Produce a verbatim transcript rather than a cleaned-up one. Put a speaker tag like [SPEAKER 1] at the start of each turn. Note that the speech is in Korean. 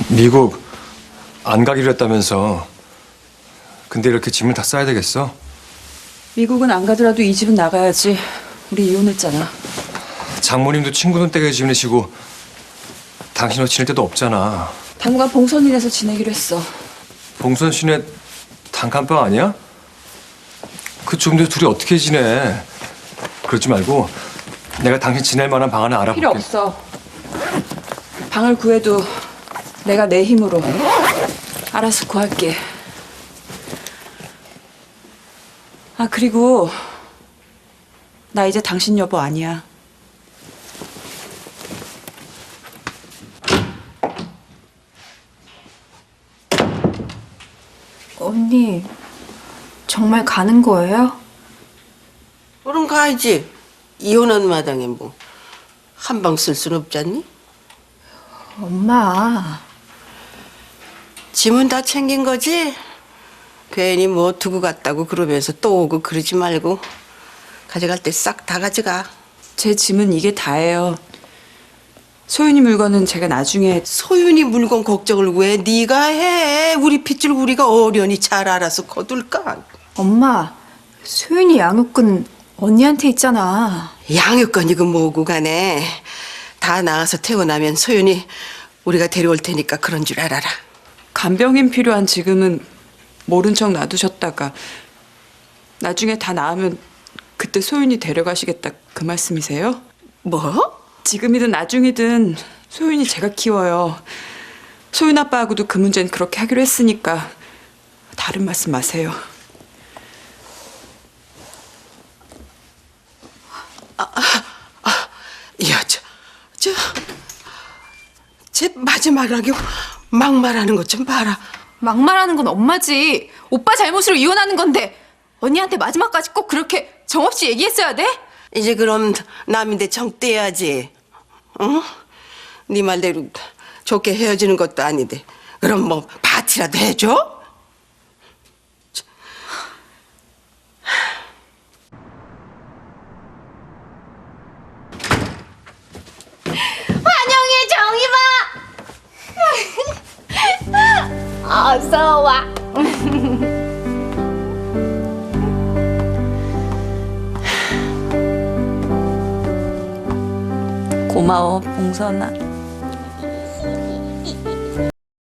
[SPEAKER 1] 미국 안 가기로 했다면서. 근데 이렇게 짐을 다 싸야 되겠어?
[SPEAKER 2] 미국은 안 가더라도 이 집은 나가야지. 우리 이혼했잖아.
[SPEAKER 1] 장모님도 친구는 댁에 지내시고 당신은 지낼 데도 없잖아.
[SPEAKER 2] 당분간 봉선이네서 지내기로 했어.
[SPEAKER 1] 봉선 씨네 단칸방 아니야? 그 좁은 데 둘이 어떻게 지내? 그러지 말고 내가 당신 지낼 만한 방 하나 알아볼게.
[SPEAKER 2] 필요 없어. 방을 구해도 내가 내 힘으로 알아서 구할게. 아, 그리고 나 이제 당신 여보 아니야.
[SPEAKER 3] 언니, 정말 가는 거예요?
[SPEAKER 4] 그럼 가야지. 이혼한 마당에 뭐 한 방 쓸 순 없잖니?
[SPEAKER 3] 엄마,
[SPEAKER 4] 짐은 다 챙긴 거지? 괜히 뭐 두고 갔다고 그러면서 또 오고 그러지 말고 가져갈 때 싹 다 가져가.
[SPEAKER 2] 제 짐은 이게 다예요. 소윤이 물건은 제가 나중에.
[SPEAKER 4] 소윤이 물건 걱정을 왜 네가 해? 우리 핏줄 우리가 어련히 잘 알아서 거둘까?
[SPEAKER 3] 엄마, 소윤이 양육권 언니한테 있잖아.
[SPEAKER 4] 양육권이고 뭐고 간에 다 나와서 태어나면 소윤이 우리가 데려올 테니까 그런 줄 알아라.
[SPEAKER 2] 간병인 필요한 지금은 모른 척 놔두셨다가 나중에 다 나으면 그때 소윤이 데려가시겠다 그 말씀이세요?
[SPEAKER 4] 뭐?
[SPEAKER 2] 지금이든 나중이든 소윤이 제가 키워요. 소윤 아빠하고도 그 문제는 그렇게 하기로 했으니까 다른 말씀 마세요.
[SPEAKER 4] 야, 저, 저, 제 마지막하게 막말하는 것 좀 봐라.
[SPEAKER 3] 막말하는 건 엄마지. 오빠 잘못으로 이혼하는 건데 언니한테 마지막까지 꼭 그렇게 정없이 얘기했어야 돼?
[SPEAKER 4] 이제 그럼 남인데 정 떼야지. 응? 네 말대로 좋게 헤어지는 것도 아닌데 그럼 뭐 파티라도 해줘?
[SPEAKER 5] 환영해 정이봐. 어서 와.
[SPEAKER 2] 고마워 봉선아.